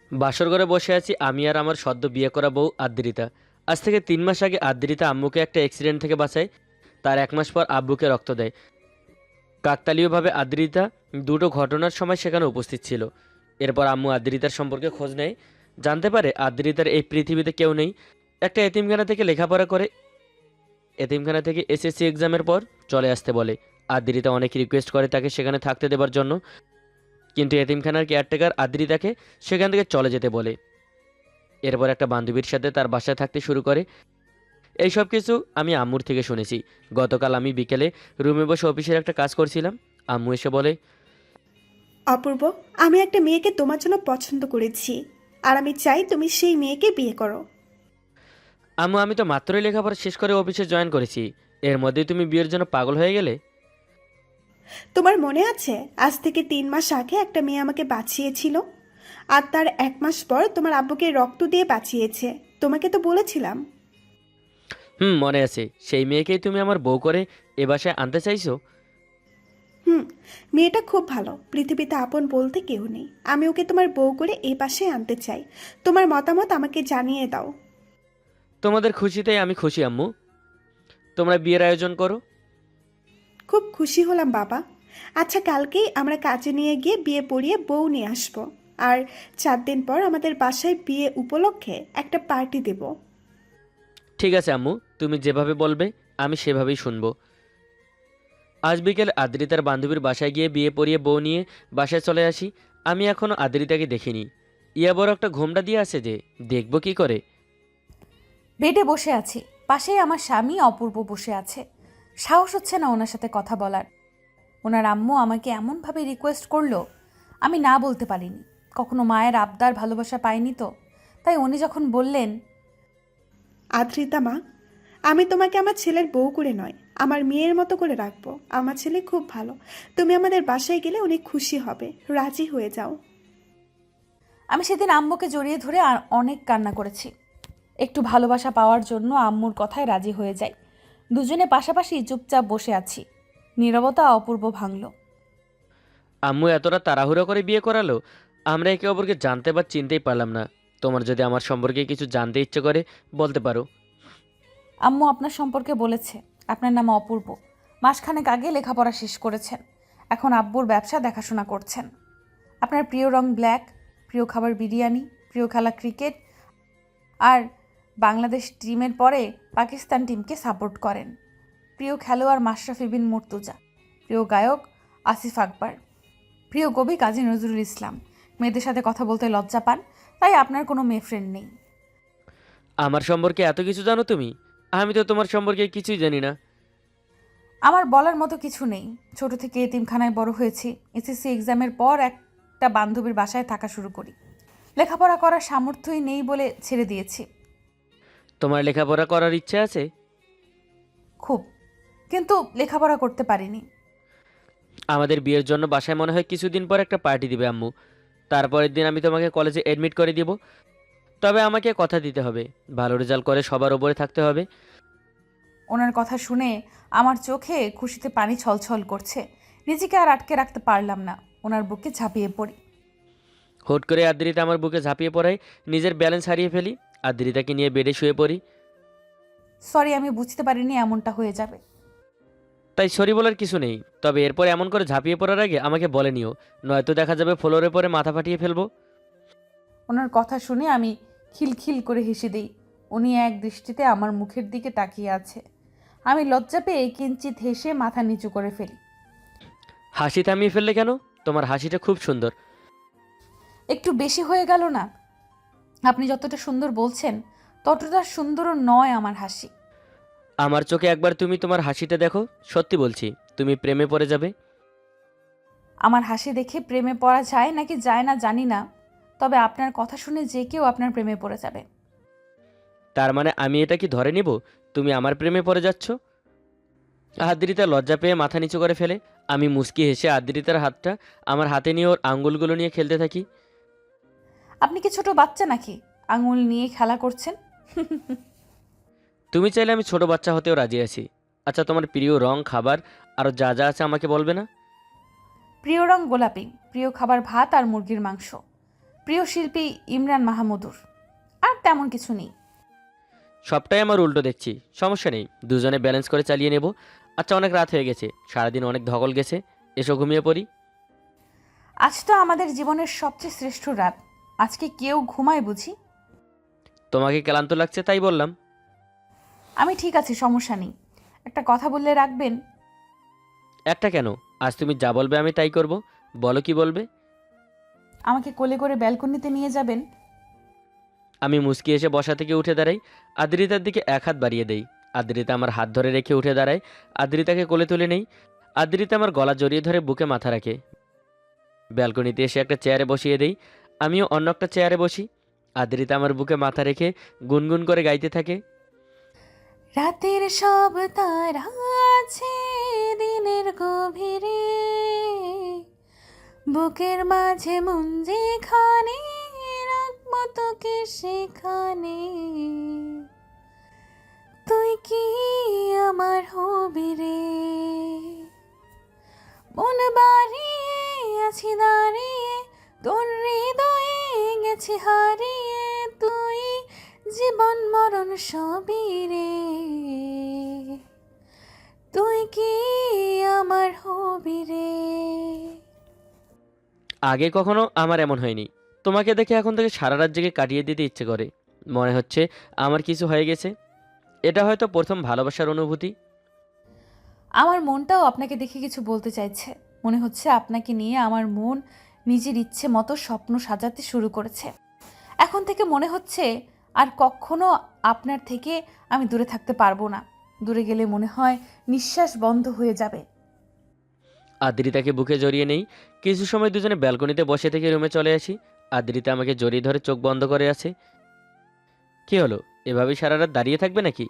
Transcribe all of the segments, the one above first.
বাসর ঘরে বসে আছি আমি আর আমার সদ্য বিয়ে করা বউ আদ্রিতা। আজ থেকে 3 মাস আগে আদ্রিতা আম্মুকে একটা অ্যাক্সিডেন্ট থেকে বাঁচায়। তার 1 মাস পর আব্বুকে রক্ত দেয়। কাকতালীয়ভাবে আদ্রিতা দুটো ঘটনার সময় সেখানে উপস্থিত ছিল। এরপর আম্মু আদ্রিতার সম্পর্কে খোঁজ নেয়, জানতে পারে আদ্রিতার এই পৃথিবীতে কেউ নেই। একটা এতিমখানা থেকে লেখাপড়া করে, এতিমখানা থেকে এসএসসি এক্সামের পর চলে আসতে বলে। আদ্রিতা অনেক রিকোয়েস্ট করে তাকে সেখানে থাকতে দেবার জন্য, কিন্তু এতিমখানার কেয়ারটেকার আদ্রিতাকে সেখান থেকে চলে যেতে বলে। এরপর একটা বান্ধবীর সাথে তার বাসায় থাকতে শুরু করে। এই সব কিছু আমি আম্মুর থেকে শুনেছি। গতকাল আমি বিকেলে রুমে বসে অফিসের একটা কাজ করছিলাম। আম্মু এসে বলে, অপূর্ব, আমি একটা মেয়েকে তোমার জন্য পছন্দ করেছি, আর আমি চাই তুমি সেই মেয়েকে বিয়ে করো। আম্মু আমি তো মাত্রই লেখাপড়া শেষ করে অফিসে জয়েন করেছি, এর মধ্যেই তুমি বিয়ের জন্য পাগল হয়ে গেলে? তোমার মনে আছে আজ থেকে 3 মাস আগে একটা মেয়ে আমাকে বাঁচিয়েছিল, আর তার 1 মাস পর তোমার আব্বুকে রক্ত দিয়ে বাঁচিয়েছে। তোমাকে তো বলেছিলাম। মনে আছে। সেই মেয়েকেই তুমি আমার বউ করে এ বাসায় আনতে চাইছো? হুম, মেয়েটা খুব ভালো, পৃথিবীতে আপন বলতে কেউ নেই। আমি ওকে তোমার বউ করে এই পাশে আনতে চাই। তোমার মতামত আমাকে জানিয়ে দাও। তোমাদের খুশিতেই আমি খুশি আম্মু, তোমরা বিয়ের আয়োজন করো। খুব খুশি হলাম বাবা। আচ্ছা, কালকেই আমরা কাজে নিয়ে গিয়ে বিয়ে পড়িয়ে বউ নিয়ে আসবো। আর 4 দিন পর আমাদের বাসায় বিয়ে উপলক্ষে একটা পার্টি দেব। ঠিক আছে আম্মু, তুমি যেভাবে বলবে আমি সেভাবেই শুনবো। আজ বিকেল আদ্রিতার বান্ধবীর বাসায় গিয়ে বিয়ে পড়িয়ে বউ নিয়ে বাসায় চলে আসি। আমি এখনও আদ্রিতাকে দেখিনি। ইয়া বড় একটা ঘোমটা দিয়ে আছে যে, দেখবো কি করে। বেডে বসে আছি, পাশেই আমার স্বামী অপূর্ব বসে আছে। সাহস হচ্ছে না ওনার সাথে কথা বলার। ওনার আম্মু আমাকে এমনভাবে রিকোয়েস্ট করলো, আমি না বলতে পারিনি। কখনো মায়ের আবদার ভালোবাসা পাইনি তো, তাই উনি যখন বললেন, আদ্রিতা মা, আমি তোমাকে আমার ছেলের বউ করে নয়, আমার মেয়ের মতো করে রাখবো। আমার ছেলে খুব ভালো, তুমি আমাদের বাসায় গেলে অনেক খুশি হবে। রাজি হয়ে যাও। আমি সেদিন আম্মুকে জড়িয়ে ধরে আর অনেক কান্না করেছি। একটু ভালোবাসা পাওয়ার জন্য আম্মুর কথায় রাজি হয়ে যাই। দুজনে পাশাপাশি চুপচাপ বসে আছি। নীরবতা অপূর্ব ভাঙল। আম্মু এতটা তাড়াহুড়ো করে বিয়ে করালো, আমরা একে অপরকে জানতে বা চিনতেই পারলাম না। তোমার যদি আমার সম্পর্কে কিছু জানতে ইচ্ছে করে বলতে পারো। আম্মু আপনার সম্পর্কে বলেছে, আপনার নাম অপূর্ব। মাসখানেক আগে লেখাপড়া শেষ করেছেন, এখন আব্বুর ব্যবসা দেখাশোনা করছেন। আপনার প্রিয় রং ব্ল্যাক, প্রিয় খাবার বিরিয়ানি, প্রিয় খেলা ক্রিকেট, আর বাংলাদেশ টিমের পরে পাকিস্তান টিমকে সাপোর্ট করেন। প্রিয় খেলোয়াড় মাশরাফি বিন মুর্তজা, প্রিয় গায়ক আসিফ আকবর, প্রিয় কবি কাজী নজরুল ইসলাম। মেয়েদের সাথে কথা বলতে লজ্জা পান, তাই আপনার কোনো মেয়ে ফ্রেন্ড নেই। আমার সম্পর্কে এত কিছু জানো তুমি? আমি তো তোমার সম্পর্কে কিছুই জানি না। আমার বলার মতো কিছু নেই। ছোট থেকে এতিমখানায় বড় হয়েছি। এসএসসি এক্সামের পর একটা বান্ধবীর বাসায় থাকা শুরু করি। লেখাপড়া করার সামর্থ্যই নেই বলে ছেড়ে দিয়েছি। তোমার লেখাপড়া করার ইচ্ছে আছে? খুব, কিন্তু লেখাপড়া করতে পারিনি। আমাদের বিয়ের জন্য বাসায় মনে হয় কিছুদিন পর একটা পার্টি দিবে আম্মু। তারপরের দিন আমি তোমাকে কলেজে এডমিট করে দিব। তবে আমাকে কথা দিতে হবে, ভালো রেজাল্ট করে সবার ওপরে থাকতে হবে। ওনার কথা শুনে আমার চোখে খুশিতে পানি ছলছল করছে। নিজেকে আর আটকে রাখতে পারলাম না, ওনার বুকে ঝাঁপিয়ে পড়ি। হুট করে আদ্রিতা আমার বুকে ঝাঁপিয়ে পড়ায় নিজের ব্যালেন্স হারিয়ে ফেলি। আদ্রিতাকে নিয়ে বেডে শুয়ে পড়ি। সরি, আমি বুঝতে পারিনি এমনটা হয়ে যাবে। তাই সরি বলার কিছু নেই, তবে এরপর এমন করে ঝাঁপিয়ে পড়ার আগে আমাকে বলে নিও, নয়তো দেখা যাবে ফ্লোরে পরে মাথা ফাটিয়ে ফেলবো। ওনার কথা শুনে আমি খিলখিল করে হেসে দিই। উনি এক দৃষ্টিতে আমার মুখের দিকে তাকিয়ে আছে। আমি লজ্জা পেয়ে কিঞ্চিত হেসে মাথা নিচু করে ফেলি। হাসি থামিয়ে ফেললে কেন? তোমার হাসিটা খুব সুন্দর। একটু বেশি হয়ে গেল না? আপনি যতটা সুন্দর বলছেন, ততটা সুন্দরও নয় আমার হাসি। আমার চোখে একবার তুমি তোমার হাসিটা দেখো, সত্যি বলছি তুমি প্রেমে পড়ে যাবে। আমার হাসি দেখে প্রেমে পড়া যায় নাকি যায় না জানি না, তবে আপনার কথা শুনে যে কেউ আপনার প্রেমে পড়ে যাবে। তার মানে আমি এটা কি ধরে নিব তুমি আমার প্রেমে পড়ে যাচ্ছ? আদ্রিতা লজ্জা পেয়ে মাথা নিচু করে ফেলে। আমি মুচকি হেসে আদ্রিতার হাতটা আমার হাতে নিয়ে ওর আঙ্গুলগুলো নিয়ে খেলতে থাকি। আপনি কি ছোট বাচ্চা নাকি আঙুল নিয়ে খেলা করছেন? তুমি চাইলে আমি ছোট বাচ্চা হতেও রাজি আছি। আচ্ছা, তোমার প্রিয় রং, খাবার আরও যা যা আছে আমাকে বলবে না? প্রিয় রং গোলাপি, প্রিয় খাবার ভাত আর মুরগির মাংস, প্রিয় শিল্পী ইমরান মাহমুদুর। আর তেমন কিছু নেই। সবটাই আমার উল্টো দেখছি। সমস্যা নেই, দুজনে ব্যালেন্স করে চালিয়ে নেব। আচ্ছা, অনেক রাত হয়ে গেছে, সারাদিন অনেক ধকল গেছে, এসো ঘুমিয়ে পড়ি। আজ তো আমাদের জীবনের সবচেয়ে শ্রেষ্ঠ রাত। আজকে কেউ ঘুমায় বুঝি? তোমাকে ক্লান্ত লাগছে তাই বললাম। আমি ঠিক আছি, সমস্যা নেই। একটা কথা বললে রাখবেন? একটা কেন, আজ তুমি যা বলবে আমি তাই করব। বলো কি বলবে। আমাকে কোলে করে ব্যালকনিতে নিয়ে যাবেন? আমি মুচকি এসে বসা থেকে উঠে দাঁড়াই, আদ্রিতার দিকে এক হাত বাড়িয়ে দেই। আদ্রিতা আমার হাত ধরে রেখে উঠে দাঁড়ায়। আদ্রিতাকে কোলে তুলে নেই। আদ্রিতা আমার গলা জড়িয়ে ধরে বুকে মাথা রাখে। ব্যালকনিতে এসে একটা চেয়ারে বসিয়ে দেই। আমিও অন্য একটা চেয়ারে বসি। আদ্রিতা আমার বুকে মাথা রেখে গুনগুন করে গাইতে থাকে। রাতের সব তারা আছে দিনের গভীরে, বুকের মাঝে মন যেখানে, রাখবো তোকে সেখানে। তুই কি আমার হবি রে, মন বাড়িয়ে আছি দাঁড়িয়ে, তোর হৃদয়ে গেছি হারিয়ে। তুই জীবন মরণ সবই রে, তুই কি আমার হবি রে। আগে কখনো আমার এমন হয়নি। তোমাকে দেখে এখন থেকে সারা রাত জেগে কাটিয়ে দিতে ইচ্ছে করে। মনে হচ্ছে আমার কিছু হয়ে গেছে। এটা হয়তো প্রথম ভালোবাসার অনুভূতি। আমার মনটাও আপনাকে দেখে কিছু বলতে চাইছে। মনে হচ্ছে আপনাকে নিয়ে আমার মন নিজের ইচ্ছে মতো স্বপ্ন সাজাতে শুরু করেছে। এখন থেকে মনে হচ্ছে আর কখনো আপনার থেকে আমি দূরে থাকতে পারবো না। দূরে গেলে মনে হয় নিঃশ্বাস বন্ধ হয়ে যাবে। আদ্রিতাকে বুকে জড়িয়ে নেই। কিছু সময় দুজনে ব্যালকনিতে বসে থেকে রুমে চলে আসি। আদ্রিতা আমাকে জড়িয়ে ধরে চোখ বন্ধ করে আছে। কি হলো, এভাবেই সারা রাত দাঁড়িয়ে থাকবে নাকি?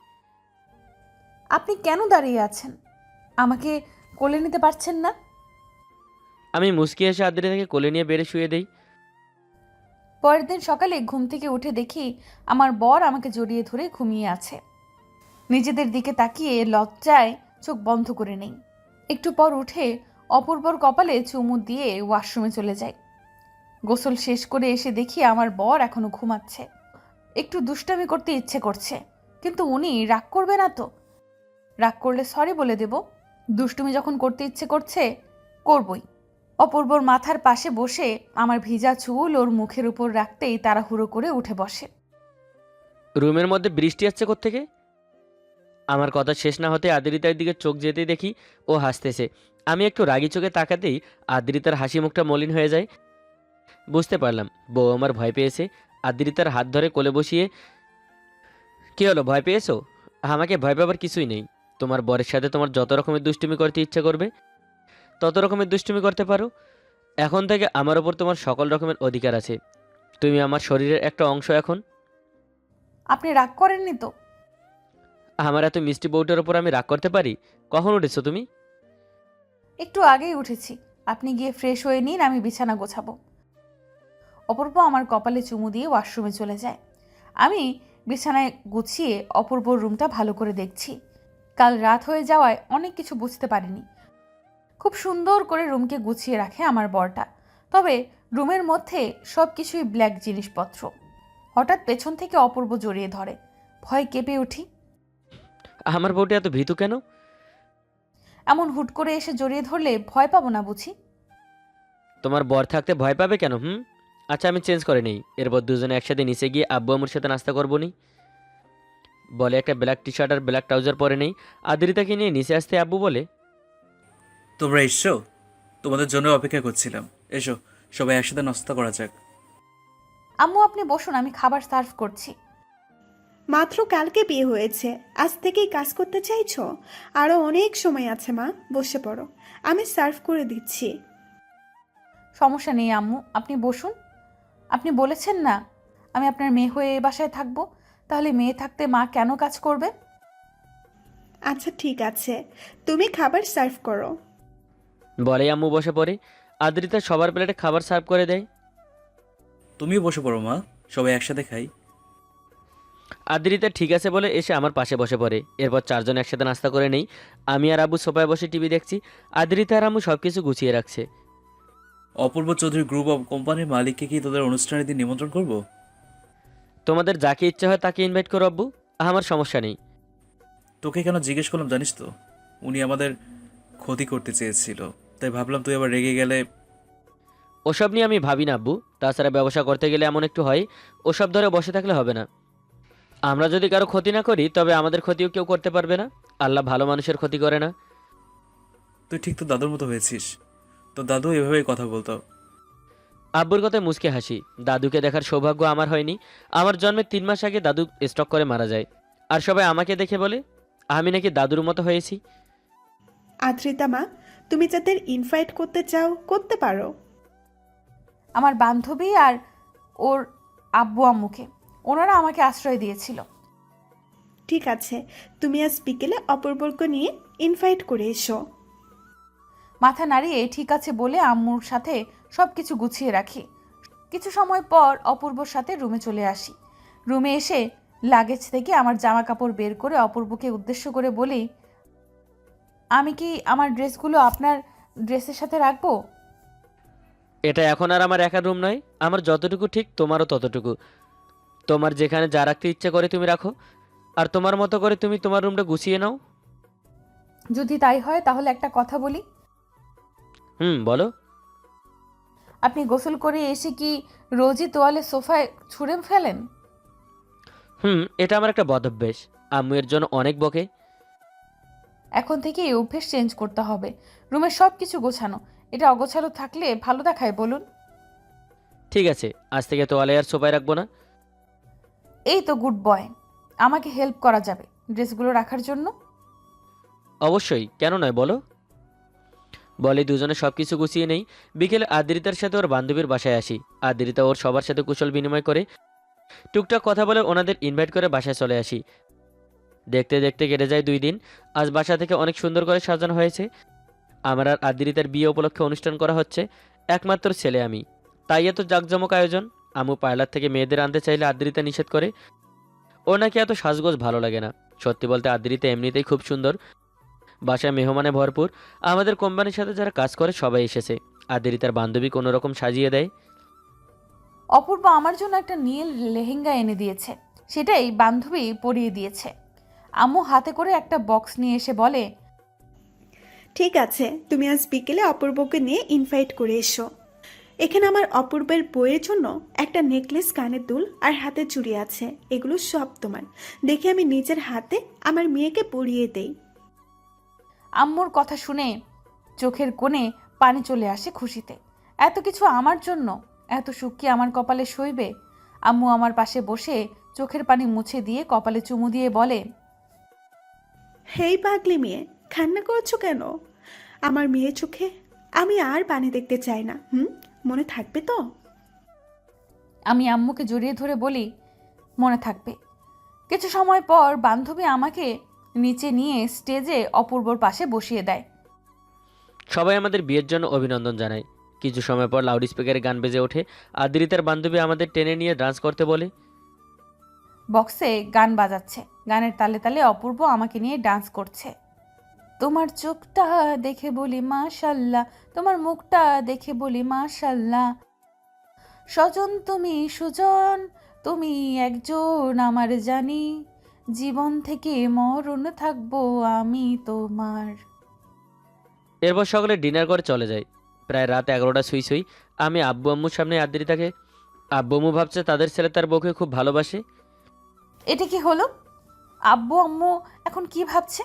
আপনি কেন দাঁড়িয়ে আছেন? আমাকে কোলে নিতে পারছেন না? আমি মুচকি এসে আদ্রিতাকে কোলে নিয়ে বেড়ে শুয়ে দেই। পরের দিন সকালে ঘুম থেকে উঠে দেখি আমার বর আমাকে জড়িয়ে ধরে ঘুমিয়ে আছে। নিজেদের দিকে তাকিয়ে লজ্জায় চোখ বন্ধ করে নেই। একটু পর উঠে অপূর্বর কপালে চুমু দিয়ে ওয়াশরুমে চলে যাই। গোসল শেষ করে এসে দেখি আমার বর এখনো ঘুমাচ্ছে। একটু দুষ্টামি করতে ইচ্ছে করছে, কিন্তু উনি রাগ করবে না তো? রাগ করলে সরি বলে দেব। দুষ্টুমি যখন করতে ইচ্ছে করছে, করবই। অপূর্বর মাথার পাশে বসে আমার ভিজা চুল ওর মুখের উপর রাখতেই তাড়াহুড়ো করে উঠে বসে। রুমের মধ্যে বৃষ্টি আসছে কোত্থেকে? আমার কথা শেষ না হতে আদ্রিতার দিকে চোখ যেতেই দেখি ও হাসতেছে। আমি একটু রাগী চোখে তাকাতেই আদ্রিতার হাসি মুখটা মলিন হয়ে যায়। বুঝতে পারলাম বউ আমার ভয় পেয়েছে। আদ্রিতার হাত ধরে কোলে বসিয়ে, কি হলো, ভয় পেয়েছো? আমাকে ভয় পাবার কিছুই নেই। তোমার বরের সাথে তোমার যত রকমের দুষ্টুমি করতে ইচ্ছা করবে তত রকমের দুষ্টুমি করতে পারো। এখন থেকে আমার ওপর তোমার সকল রকমের অধিকার আছে। তুমি আমার শরীরের একটা অংশ এখন। আপনি রাগ করেননি তো? আমার এত মিষ্টি বউটার ওপর আমি রাগ করতে পারি? কখন উঠেছো তুমি? একটু আগেই উঠেছি। আপনি গিয়ে ফ্রেশ হয়ে নিন, আমি বিছানা গোছাবো। অপূর্ব আমার কপালে চুমু দিয়ে ওয়াশরুমে চলে যায়। আমি বিছানায় গুছিয়ে অপূর্বর রুমটা ভালো করে দেখছি। কাল রাত হয়ে যাওয়ায় অনেক কিছু বুঝতে পারিনি। খুব সুন্দর করে রুমকে গুছিয়ে রাখে আমার বরটা। তবে রুমের মধ্যে সব কিছুই ব্ল্যাক জিনিসপত্র। হঠাৎ পেছন থেকে অপূর্ব জড়িয়ে ধরে। ভয় কেঁপে উঠি। আমার বউটা এত ভীতু কেন? এমন হুট করে এসে জড়িয়ে ধরলে ভয় পাবো না বুঝি? তোমার বর থাকতে ভয় পাবে কেন? আচ্ছা, আমি চেঞ্জ করে নেই। এরপর দুজনে একসাথে নিচে গিয়ে আব্বু আম্মুর সাথে নাস্তা করবো নি। বলে একটা ব্ল্যাক টি শার্ট আর ব্ল্যাক ট্রাউজার পরে নেই। আদ্রিতাকে নিয়ে নিচে আসতে আব্বু বলে, তোমরা এসছো? তোমাদের জন্য অপেক্ষা করছিলাম। এসো, সবাই একসাথে নাস্তা করা যাক। আম্মু আপনি বসুন, আমি খাবার সার্ভ করছি। মাত্র কালকে বিয়ে হয়েছে, আজ থেকেই কাজ করতে চাইছো? আরও অনেক সময় আছে মা, বসে পড়ো, আমি সার্ভ করে দিচ্ছি। সমস্যা নেই আম্মু, আপনি বসুন। আপনি বলেছেন না আমি আপনার মেয়ে হয়ে এ বাসায় থাকবো, তাহলে মেয়ে থাকতে মা কেন কাজ করবে? আচ্ছা ঠিক আছে, তুমি খাবার সার্ভ করো। বলে আম্মু বসে পড়ে। আদ্রিতা সবার প্লেটে খাবার সার্ভ করে দেয়। তুমিও বসে পড়ো মা, সবাই একসাথে খাই। আদ্রিতা ঠিক আছে বলে এসে আমার পাশে বসে পড়ে। এরপর চারজন একসাথে নাস্তা করে নেই। আমি আর আব্বু সোফায় বসে টিভি দেখছি। আদ্রিতা আর আম্মু সব কিছু গুছিয়ে রাখছে। অপূর্ব চৌধুরী গ্রুপ অফ কোম্পানির মালিককে কি তোদের অনুষ্ঠানের দিন নিমন্ত্রণ করব? তোমাদের যাকে ইচ্ছা হয় তাকে ইনভাইট করো আব্বু, আমার সমস্যা নেই। তোকে কেন জিজ্ঞেস করলাম জানিস তো? উনি আমাদের ক্ষতি করতে চেয়েছিল, তাই ভাবলাম তুই আবার রেগে গেলে। ওসব নিয়ে আমি ভাবি না আব্বু, তাছাড়া ব্যবসা করতে গেলে এমন একটু হয়, ওসব ধরে বসে থাকলে হবে না। আমরা যদি কারো ক্ষতি না করি তবে আমাদের ক্ষতিও কেউ করতে পারবে না। আল্লাহ ভালো মানুষের ক্ষতি করে না। তুই ঠিক তো দাদুর মতো হয়েছিস। তো দাদু এভাবেই কথা বলতো। আব্বুর কথায় মুচকে হাসি। দাদুকে দেখার সৌভাগ্য আমার হয়নি। আমার জন্মের 3 মাস আগে দাদু স্ট্রোক করে মারা যায়। আর সবাই আমাকে দেখে বলে আমি নাকি দাদুর মতো হয়েছি। আদ্রিতা মা, তুমি যাদের ইনভাইট করতে চাও করতে পারো। আমার বান্ধবী আর ওর আব্বু আম্মুকে, ওনারা আমাকে আশ্রয় দিয়েছিল। ঠিক আছে, তুমি আজ বিকেলে অপূর্বকে নিয়ে ইনভাইট করে এসো। মাথা নাড়িয়ে ঠিক আছে বলে আম্মুর সাথে সব কিছু গুছিয়ে রাখি। কিছু সময় পর অপূর্বর সাথে রুমে চলে আসি। রুমে এসে লাগেজ থেকে আমার জামা কাপড় বের করে অপূর্বকে উদ্দেশ্য করে বলি, আমি কি আমার ড্রেসগুলো আপনার ড্রেসের সাথে রাখবো? এটা এখন আর আমার একার রুম নয়, আমার যতটুকু ঠিক তোমারও ততটুকু। তোমার যেখানে যা রাখতে ইচ্ছে করে তুমি রাখো, আর তোমার মতো করে তুমি তোমার রুমটা গুছিয়ে নাও। যদি তাই হয় তাহলে একটা কথা বলি। বলো। আপনি গোসল করে এসে কি রোজই তোয়ালে সোফায় ছুঁড়ে ফেলেন? এটা আমার একটা বদ অভ্যেস। আম্মু এর জন্য অনেক বকে। এখন থেকে এই অভ্যেস চেঞ্জ করতে হবে। রুমের সব কিছু গোছানো, এটা অগোছালো থাকলে ভালো দেখায় বলুন? ঠিক আছে, আজ থেকে তোয়ালে আর সোফায় রাখবো না। এই তো গুড বয়। আমাকে হেল্প করা যাবে ড্রেসগুলো রাখার জন্য? অবশ্যই, কেন নয় বলো। বলে দুজনে সব কিছু গুছিয়ে নেই। বিকেলে আদ্রিতার সাথে ওর বান্ধবীর বাসায় আসি। আদ্রিতা ওর সবার সাথে কুশল বিনিময় করে, টুকটাক কথা বলে ওনাদের ইনভাইট করে বাসায় চলে আসি। দেখতে দেখতে কেটে যায় 2 দিন। আজ বাসা থেকে অনেক সুন্দর করে সাজানো হয়েছে। আমার আর আদ্রিতার বিয়ে উপলক্ষে অনুষ্ঠান করা হচ্ছে। একমাত্র ছেলে আমি, তাই এত জাঁকজমক আয়োজন। আম্মু পার্লার থেকে মেয়েদের আনতে চাইলে আদ্রিতা নিষেধ করে। ও নাকি এত সাজগোজ ভালো লাগে না। সত্যি বলতে আদ্রিতা এমনিতেই খুব সুন্দর। বাসায় মেহমানে ভরপুর। আমাদের কোম্পানির সাথে যারা কাজ করে সবাই এসেছে। আদ্রিতার বান্ধবী কোনো রকম সাজিয়ে দেয়। অপূর্ব আমার জন্য একটা নীল লেহেঙ্গা এনে দিয়েছে, সেটাই বান্ধবী পরিয়ে দিয়েছে। আম্মু হাতে করে একটা বক্স নিয়ে এসে বলে, ঠিক আছে, তুমি আজ বিকেলে অপূর্বকে নিয়ে ইনভাইট করে এসো। এখানে আমার অপূর্বের বইয়ের জন্য একটা নেকলেস, কানের দুল আর হাতে চুড়ি আছে। এগুলো সব তোমার। দেখে আমি নিজের হাতে আমার মেয়েকে পরিয়ে দেই। আম্মুর কথা শুনে চোখের কোণে পানি চলে আসে খুশিতে। এত কিছু আমার জন্য, এত সুখ কি আমার কপালে সইবে? আম্মু আমার পাশে বসে চোখের পানি মুছে দিয়ে কপালে চুমু দিয়ে বলে, হেই পাগলি মেয়ে, কান্না করছো কেন? আমার মেয়ে চোখে আমি আর পানি দেখতে চাই না। মনে থাকবে তো? আমি আম্মুকে জড়িয়ে ধরে বলি, মনে থাকবে। কিছু সময় পর বান্ধবী আমাকে নিচে নিয়ে স্টেজে অপূর্বর পাশে বসিয়ে দেয়। সবাই আমাদের বিয়ের জন্য অভিনন্দন জানায়। কিছু সময় পর লাউড স্পিকারে গান বেজে ওঠে। আদ্রিতার বান্ধবী আমাদের টেনে নিয়ে ডান্স করতে বলে। বক্সে গান বাজাচ্ছে, গানের তালে তালে অপূর্ব আমাকে নিয়ে ডান্স করছে। তোমার চোখটা দেখে বলি মাশাল্লাহ, তোমার মুখটা দেখে বলি মাশাল্লাহ, স্বজন তুমি সুজন, তুমি একজন আমার জানি, জীবন থেকে মরণ থাকবো আমি তোমার। এরপর সকলে ডিনার করে চলে যায়। প্রায় রাত 11টা সুই সুই। আমি আব্বু আম্মুর সামনে আদ্রিতাকে। আব্বু আম্মু ভাবছে তাদের ছেলে তার বউকে খুব ভালোবাসে। এটা কি হলো? আব্বু আম্মু এখন কি ভাবছে?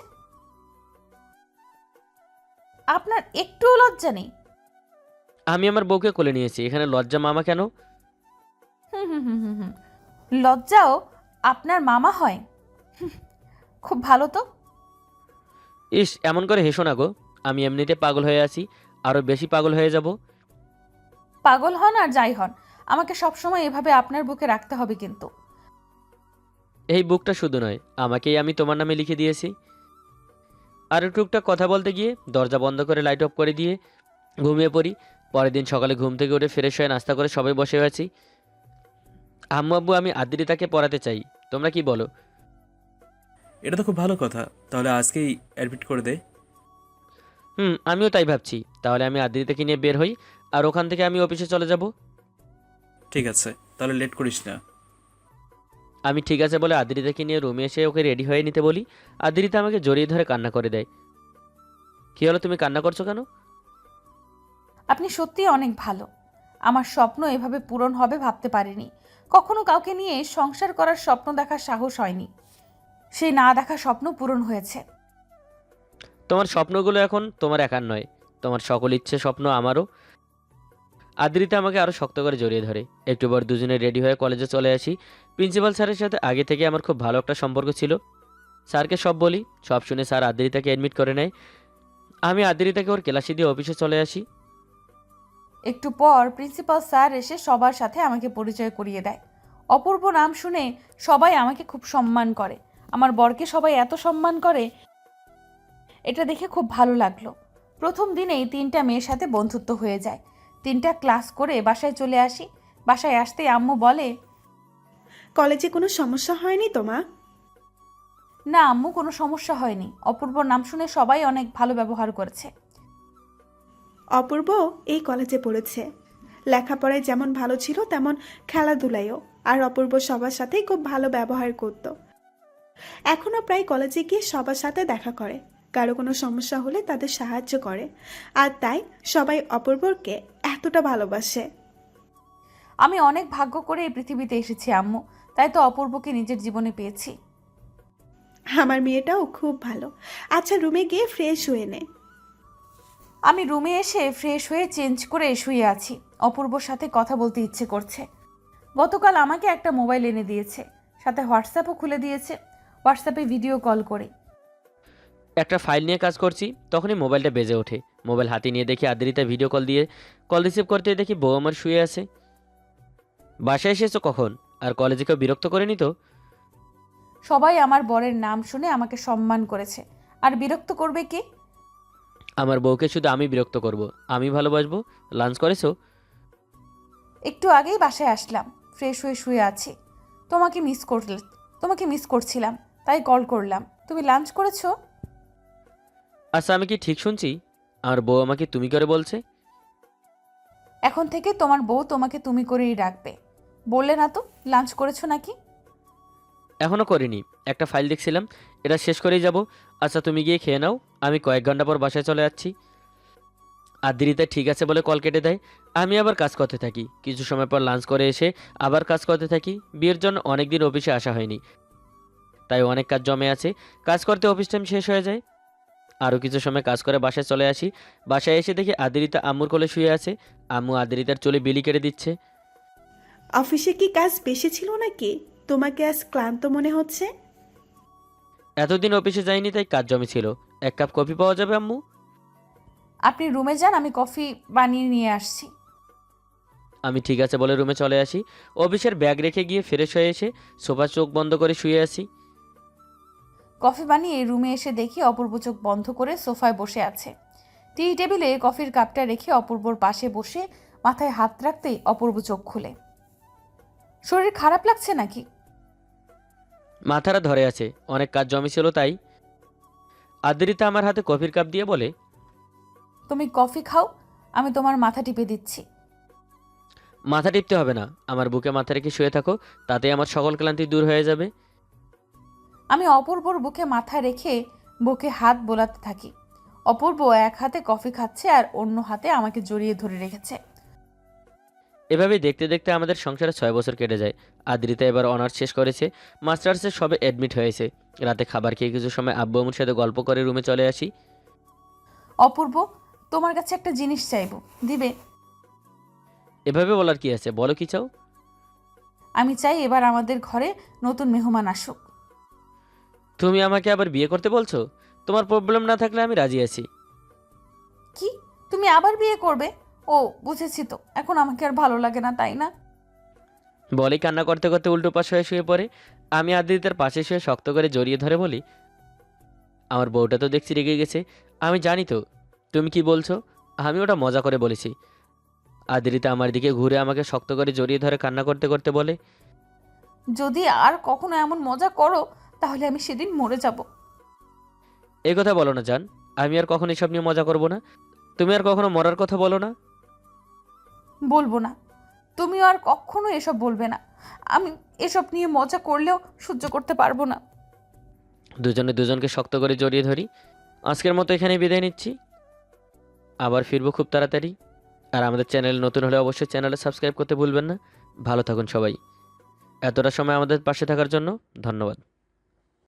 আপনার একটুও লজ্জা নেই? আমি আমার বউকে কোলে নিয়েছি, এখানে লজ্জা মামা কেন? হুম হুম হুম হুম হুম। লজ্জাও আপনার মামা হয়? হুম, খুব ভালো তো। ইস, এমন করে হেসো না গো। আমি এমনিতে পাগল হয়ে আছি, আরও বেশি পাগল হয়ে যাব। পাগল হন আর যাই হন, আমাকে সবসময় এভাবে আপনার বুকে রাখতে হবে কিন্তু। এই বুকটা শুধু নয়, আমাকেই আমি তোমার নামে লিখে দিয়েছি। আর টুকটাক কথা বলতে গিয়ে দরজা বন্ধ করে লাইট অফ করে দিয়ে ঘুমিয়ে পড়ি। পরের দিন সকালে ঘুম থেকে উঠে ফ্রেশ হয়ে নাস্তা করে সবাই বসে আছি। আম্মু আব্বু আমি আদ্রিতাকে পড়াতে চাই, তোমরা কি বলো? এটা তো খুব ভালো কথা, তাহলে আজকেই অ্যাডমিট করে দে। আমিও তাই ভাবছি। তাহলে আমি আদ্রিতাকে নিয়ে বের হই আর ওখান থেকে আমি অফিসে চলে যাব। ঠিক আছে, তাহলে লেট করিস না। আমি ঠিক আছে বলে আদ্রিতাকে নিয়ে রুমে এসে ওকে রেডি হয়ে নিতে বলি। আদ্রিতা আমাকে জড়িয়ে ধরে কান্না করে দেয়। কী হলো, তুমি কান্না করছো কেন? আপনি সত্যিই অনেক ভালো। আমার স্বপ্ন এভাবে পূরণ হবে ভাবতে পারিনি। কখনো কাউকে নিয়ে সংসার করার স্বপ্ন দেখার সাহস হয়নি। সেই না দেখা স্বপ্ন পূরণ হয়েছে। তোমার স্বপ্নগুলো এখন তোমার একার নয়, তোমার সকল ইচ্ছে স্বপ্ন আমারও। আদ্রিতা আমাকে আরও শক্ত করে জড়িয়ে ধরে। একটু পর দুজনে রেডি হয়ে কলেজে চলে আসি। প্রিন্সিপাল স্যারের সাথে আগে থেকে আমার খুব ভালো একটা সম্পর্ক ছিল। স্যারকে সব বলি, সব শুনে স্যার আদ্রিতাকে অ্যাডমিট করে নেয়। আমি আদ্রিতাকে ওর ক্লাসে দিয়ে অফিসে চলে আসি। একটু পর প্রিন্সিপাল স্যার এসে সবার সাথে আমাকে পরিচয় করিয়ে দেয়। অপূর্ব নাম শুনে সবাই আমাকে খুব সম্মান করে। আমার বরকে সবাই এত সম্মান করে, এটা দেখে খুব ভালো লাগলো। প্রথম দিনেই 3টা মেয়ের সাথে বন্ধুত্ব হয়ে যায়। 3টা ক্লাস করে বাসায় চলে আসি। বাসায় আসতেই আম্মু বলে, কলেজে কোনো সমস্যা হয়নি তো মা? না আম্মু, কোনো সমস্যা হয়নি। অপূর্ব নাম শুনে সবাই অনেক ভালো ব্যবহার করেছে। অপূর্ব এই কলেজে পড়েছে। লেখাপড়ায় যেমন ভালো ছিল তেমন খেলাধুলায়ও। আর অপূর্ব সবার সাথেই খুব ভালো ব্যবহার করত। এখনও প্রায় কলেজে গিয়ে সবার সাথে দেখা করে, কারো কোনো সমস্যা হলে তাদের সাহায্য করে। আর তাই সবাই অপূর্বকে এতটা ভালোবাসে। আমি অনেক ভাগ্য করে এই পৃথিবীতে এসেছি আম্মু, তাই তো অপূর্বকে নিজের জীবনে পেয়েছি। আমার মেয়েটাও খুব ভালো। আচ্ছা, রুমে গিয়ে ফ্রেশ হয়ে নে। আমি রুমে এসে ফ্রেশ হয়ে চেঞ্জ করে শুয়ে আছি। অপূর্বর সাথে কথা বলতে ইচ্ছে করছে। গতকাল আমাকে একটা মোবাইল এনে দিয়েছে, সাথে হোয়াটসঅ্যাপও খুলে দিয়েছে। হোয়াটসঅ্যাপে ভিডিও কল করে। একটা ফাইল নিয়ে কাজ করছি, তখনই মোবাইলটা বেজে ওঠে। মোবাইল হাতে নিয়ে দেখি আদ্রিতা ভিডিও কল রিসিভ করতে দেখি বউ আমার শুয়ে আছে। বাসায় এসেছো কখন? আর কলেজে কেউ বিরক্ত করেনি তো? সবাই আমার বরের নাম শুনে আমাকে সম্মান করেছে, আর বিরক্ত করবে কে? আমার বউকে শুধু আমি বিরক্ত করব, আমি ভালোবাসবো। লাঞ্চ করেছো? একটু আগেই বাসায় আসলাম, ফ্রেশ হয়ে শুয়ে আছি। তোমাকে মিস করছিলাম, তাই কল করলাম। তুমি লাঞ্চ করেছো? আচ্ছা, আমি কি ঠিক শুনছি আমার বউ আমাকে তুমি করে বলছে? এখন থেকে তোমার বউ তোমাকে তুমি করেই রাখবে। বললে না তো লাঞ্চ করেছো নাকি? এখনও করিনি, একটা ফাইল দেখছিলাম, এটা শেষ করেই যাব। আচ্ছা, তুমি গিয়ে খেয়ে নাও, আমি কয়েক ঘন্টা পর বাসায় চলে যাচ্ছি। আদ্রিতা ঠিক আছে বলে কল কেটে দেয়। আমি আবার কাজ করতে থাকি। কিছু সময় পর লাঞ্চ করে এসে আবার কাজ করতে থাকি। বিয়ের জন্য অনেক দিন অফিসে আসা হয়নি, তাই অনেক কাজ জমে আছে। কাজ করতে অফিস টাইম শেষ হয়ে যায়। আরও কিছু সময় কাজ করে বাসায় চলে আসি। বাসায় এসে দেখি আদ্রিতা আম্মুর কোলে শুয়ে আছে। আম্মু আদ্রিতার চুলে বিলি কেটে দিচ্ছে। অফিসে কি কাজ বেশি ছিল নাকি? তোমাকে আজ ক্লান্ত মনে হচ্ছে। এতদিন অফিসে যাইনি, তাই কাজ জমেছিল। এক কাপ কফি পাওয়া যাবে আম্মু? আপনি রুমে যান, আমি কফি বানিয়ে নিয়ে আসছি। আমি ঠিক আছে বলে রুমে চলে আসি। অফিসের ব্যাগ রেখে গিয়ে ফ্রেশ হয়ে এসে সোফা চোখ বন্ধ করে শুয়ে আসি। কফি বানিয়ে রুমে এসে দেখি অপূর্ব চোখ বন্ধ করে সোফায় বসে আছে। টি টেবিলে কফির কাপটা রেখে অপূর্বর পাশে বসে মাথায় হাত রাখতেই অপূর্ব চোখ খুলে। শরীর খারাপ লাগছে নাকি? মাথাটা ধরে আছে, অনেক কাজ জমেছিল তাই। আদ্রিতা আমার হাতে কফির কাপ দিয়ে বলে, তুমি কফি খাও, আমি তোমার মাথা টিপে দিচ্ছি। মাথা টিপতে হবে না, আমার বুকে মাথা রেখে শুয়ে থাকো, তাতে আমার সকল ক্লান্তি দূর হয়ে যাবে। আমি অপূর্বর বুকে মাথা রেখে বুকে হাত বোলাতে থাকি। অপূর্ব এক হাতে কফি খাচ্ছে আর অন্য হাতে আমাকে জড়িয়ে ধরে রেখেছে। এভাবেই দেখতে দেখতে আমাদের সংসারে 6 বছর কেটে যায়। আদ্রিতা এবার অনার্স শেষ করেছে, মাস্টার্সে সবে অ্যাডমিট হয়েছে। রাতে খাবার খেয়ে কিছু সময় আব্বু আম্মুর সাথে গল্প করে রুমে চলে আসি। অপূর্ব, তোমার কাছে একটা জিনিস চাইবো, দিবে? এভাবে বলার কি আছে, বলো কি চাও? আমি চাই এবার আমাদের ঘরে নতুন মেহমান আসুক। তুমি আমাকে আবার বিয়ে করতে বলছো? তোমার প্রবলেম না থাকলে আমি রাজি আছি। কি? তুমি আবার বিয়ে করবে? ও বুঝেছি তো, এখন আমাকে আর ভালো লাগে না, তাই না? বলেই কান্না করতে করতে উল্টো পাশ হয়ে শুয়ে পড়ে। আমি আদ্রিতার পাশে শুয়ে শক্ত করে জড়িয়ে ধরে বলি, আমার বউটা তো দেখছি রেগে গেছে। আমি জানি তো তুমি কি বলছো, আমি ওটা মজা করে বলেছি। আদ্রিতা আমার দিকে ঘুরে আমাকে শক্ত করে জড়িয়ে ধরে কান্না করতে করতে বলে, যদি আর কখনো এমন মজা করো তাহলে আমি সেদিন মরে যাব। এই কথা বলো না জান, আমি আর কখনো এসব নিয়ে মজা করব না। তুমি আর কখনো মরার কথা বলো না। বলবো না। তুমিও আর কখনো এসব বলবে না। আমি এসব নিয়ে মজা করলেও সহ্য করতে পারবো না। দুজনে দুজনকে শক্ত করে জড়িয়ে ধরি। আজকের মতো এখানেই বিদায় নিচ্ছি। আবার ফিরবো খুব তাড়াতাড়ি। আর আমাদের চ্যানেল নতুন হলে অবশ্যই চ্যানেলে সাবস্ক্রাইব করতে ভুলবেন না। ভালো থাকুন সবাই। এতটা সময় আমাদের পাশে থাকার জন্য ধন্যবাদ।